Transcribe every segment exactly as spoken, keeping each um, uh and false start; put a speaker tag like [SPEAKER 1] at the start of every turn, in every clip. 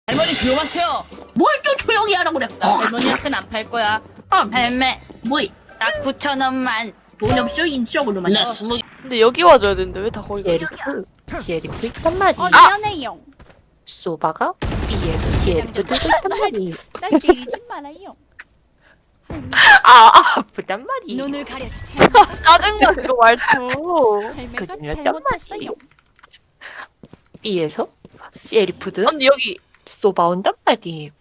[SPEAKER 1] 할머니 조용하세요. 뭘 또 조용히 하라고 그랬다. 할머니한테는 안 팔 거야. 아,
[SPEAKER 2] 할매
[SPEAKER 1] 뭐이?
[SPEAKER 2] 나 구천 원만.
[SPEAKER 1] 돈 없어 인적으로만.
[SPEAKER 2] 나 스무 개.
[SPEAKER 3] 근데 여기 와줘야 되는데 왜 다 거기 가 있어?
[SPEAKER 4] 시에리프 있단 말이.
[SPEAKER 2] 어 미안해요.
[SPEAKER 4] 소바가 B에서 시에리프 들고 있단 말이.
[SPEAKER 2] 나 때리지 말아요.
[SPEAKER 4] 아, 아프단 말이.
[SPEAKER 2] 눈을 가려주지.
[SPEAKER 3] 짜증나 그 말투.
[SPEAKER 2] 할매가
[SPEAKER 4] 거짓말했단
[SPEAKER 2] 잘못했어요.
[SPEAKER 4] B에서 시에리프든
[SPEAKER 3] 언니 여기
[SPEAKER 4] 소바 온단 말이.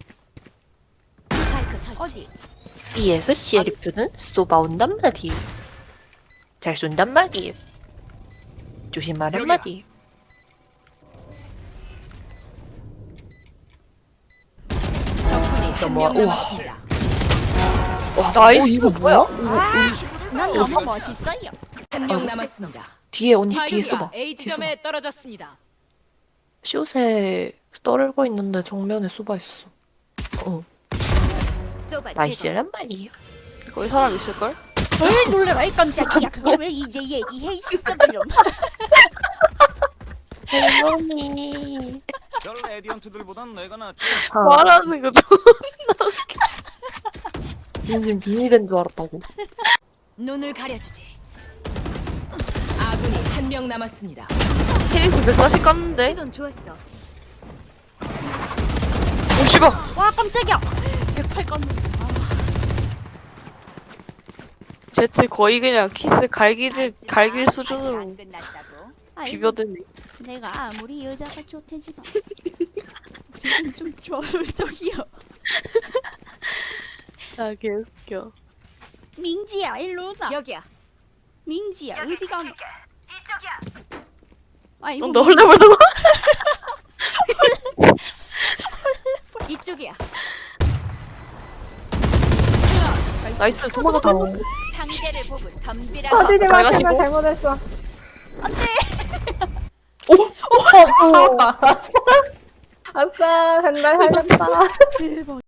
[SPEAKER 2] 어디?
[SPEAKER 4] B에서 시에리프는 소바 온단 말이. 잘 쏜단 말이. 조심하란 말이.
[SPEAKER 2] 적군이 한
[SPEAKER 4] 넘어와.
[SPEAKER 2] 명
[SPEAKER 4] 우와.
[SPEAKER 2] 남았습니다.
[SPEAKER 3] 어, 나이스.
[SPEAKER 4] 이거 뭐야?
[SPEAKER 2] 난 너무 멋있어요. 한 명 남았습니다.
[SPEAKER 4] 뒤에 언니 뒤에
[SPEAKER 2] 스파이크가
[SPEAKER 4] 쏘봐.
[SPEAKER 2] A
[SPEAKER 4] 뒤에 쏘봐.
[SPEAKER 2] 지점에 떨어졌습니다.
[SPEAKER 4] 숏에 떨고 있는데 정면에 쏘바 있었어. 어. 나이스란 말이야.
[SPEAKER 3] 거기 사람 있을걸?
[SPEAKER 2] 왜 놀래라 이 깜짝이야. 그거 왜 이제 얘기해 있어 좀.
[SPEAKER 4] 할머니.
[SPEAKER 5] 별 레디언트들보단 내가 낫지.
[SPEAKER 3] 말하는 거 좀.
[SPEAKER 4] 진심 빙의된 줄 알았다고.
[SPEAKER 2] 눈을 가려주지. 아군이 한 명 남았습니다.
[SPEAKER 3] 피닉스 백사십 깠는데?
[SPEAKER 2] 시돈 좋았어.
[SPEAKER 3] 오 씨발.
[SPEAKER 2] 와 깜짝이야. 백팔 껐는데.
[SPEAKER 3] 제트 거의 그냥 키스 갈기를 갈길 수준으로 비벼드네.
[SPEAKER 2] 내가 아무리 여자가 좋대지만 지금 좀 저쪽이요.
[SPEAKER 3] 나 개웃겨.
[SPEAKER 2] 민지야 일로 오자. 여기야. 민지야 어디 가? 이쪽이야. 아 이거
[SPEAKER 3] 너 헐레벌떡.
[SPEAKER 2] 이쪽이야.
[SPEAKER 3] 나이스 도망가 도망가.
[SPEAKER 2] 상대를 보고 덤비라고.
[SPEAKER 6] 어디지
[SPEAKER 3] 잘
[SPEAKER 6] 마,
[SPEAKER 3] 가시고.
[SPEAKER 6] 제발 잘못했어.
[SPEAKER 3] 오!
[SPEAKER 6] 아싸, 한달 살렸다.
[SPEAKER 2] 대박.